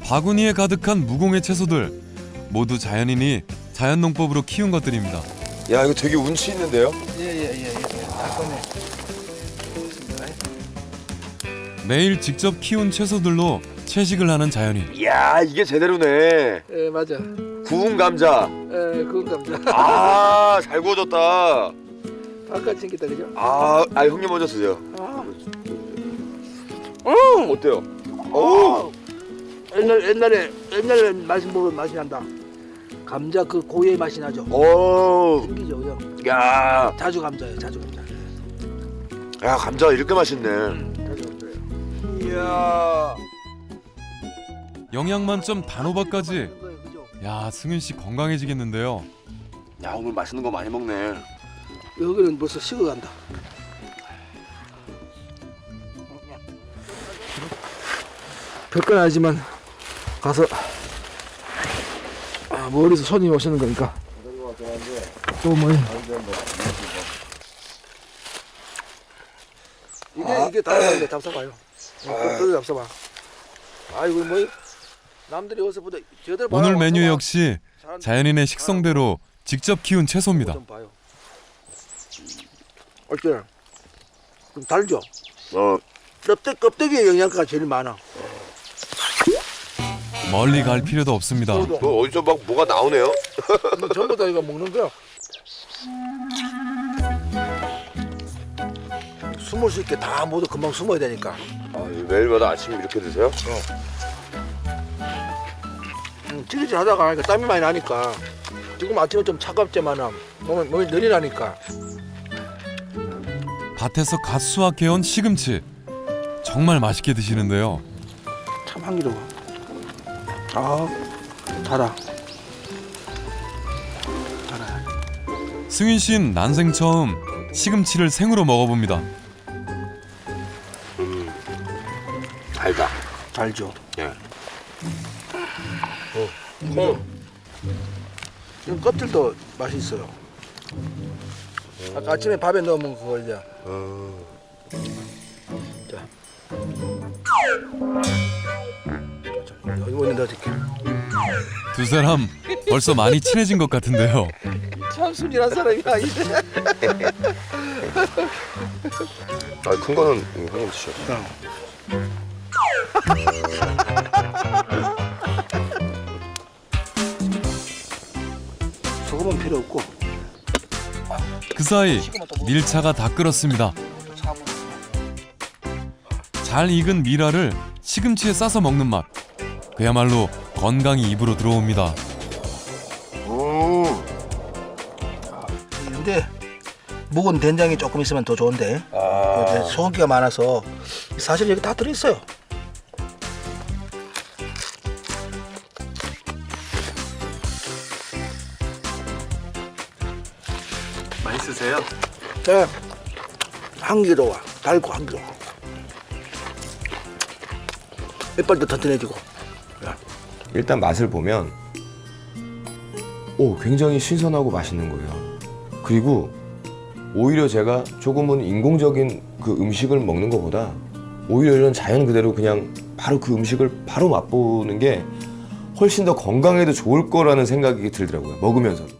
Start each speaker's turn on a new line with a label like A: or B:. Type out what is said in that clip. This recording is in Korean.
A: 바구니에 가득한 무공의 채소들 모두 자연인이 자연농법으로 키운 것들입니다.
B: 야, 이거 되게 운치 있는데요?
C: 예예예. 닭건에.
A: 매일 직접 키운 채소들로 채식을 하는 자연인.
B: 이야, 이게 제대로네.
C: 예 맞아.
B: 구운 감자.
C: 예 그건 감자.
B: 아, 잘 구워졌다.
C: 아까 챙겼다 그죠?
B: 형님 먼저 드세요. 어때요?
C: 옛날에 맛이 먹은 맛이 난다. 감자 그 고유의 맛이 나죠.
B: 오,
C: 숨기죠 그죠?
B: 야,
C: 자주 감자예요 자주 감자.
B: 야, 감자 이렇게 맛있네.
C: 자주 감자예요.
B: 이야.
A: 영양 만점 단호박까지.
C: 그죠?
A: 야, 승윤 씨 건강해지겠는데요.
B: 야, 오늘 맛있는 거 많이 먹네.
C: 여기는 벌써 식어간다. 별건 아니지만 가서 멀리서 손님 오시는 거니까 또 뭐 이게 다 잡숴봐요. 또 잡숴봐. 아이고 뭐 남들이 어디서 보다 저들
A: 오늘 메뉴 역시 자연인의 식성대로 직접 키운 채소입니다.
C: 좀 봐요. 어때? 좀 달죠? 껍데기에 영양가가 제일 많아.
A: 멀리 갈 필요도 없습니다.
B: 뭐 어디서 막 뭐가 나오네요?
C: 전부 다 이거 먹는 거야. 숨을 수 있게 다 모두 금방 숨어야 되니까.
B: 매일마다 아침에 이렇게 드세요?
C: 찌릿찌릿 하다가 하니까 땀이 많이 나니까. 지금 아침에 좀 차갑지만 몸이 늘이 나니까.
A: 밭에서 갓 수확해온 시금치. 정말 맛있게 드시는데요.
C: 참 향기로워. 달아.
A: 승윤 씨는 난생 처음 시금치를 생으로 먹어봅니다.
B: 달다.
C: 달죠.
B: 예.
C: 지금 껍질도 맛이 있어요. 아까 아침에 밥에 넣으면 그거 이제. 자. 여기 넣어줄게.
A: 두 사람 벌써 많이 친해진 것 같은데요.
C: 참 순진한 사람이야 이제.
B: 큰 거는 형님 드셔.
C: 소금은 필요 없고.
A: 그 사이 밀차가 다 끓었습니다. 잘 익은 미라를 시금치에 싸서 먹는 맛. 그야말로 건강이 입으로 들어옵니다.
C: 근데 묵은 된장이 조금 있으면 더 좋은데 소금기가 많아서 사실 여기 다 들어있어요.
B: 맛있으세요?
C: 네. 향기로워. 달고 향기로워. 이빨도 튼튼해지고.
D: 일단 맛을 보면 굉장히 신선하고 맛있는 거예요. 그리고 오히려 제가 조금은 인공적인 그 음식을 먹는 것보다 오히려 이런 자연 그대로 그냥 바로 그 음식을 바로 맛보는 게 훨씬 더 건강에도 좋을 거라는 생각이 들더라고요. 먹으면서.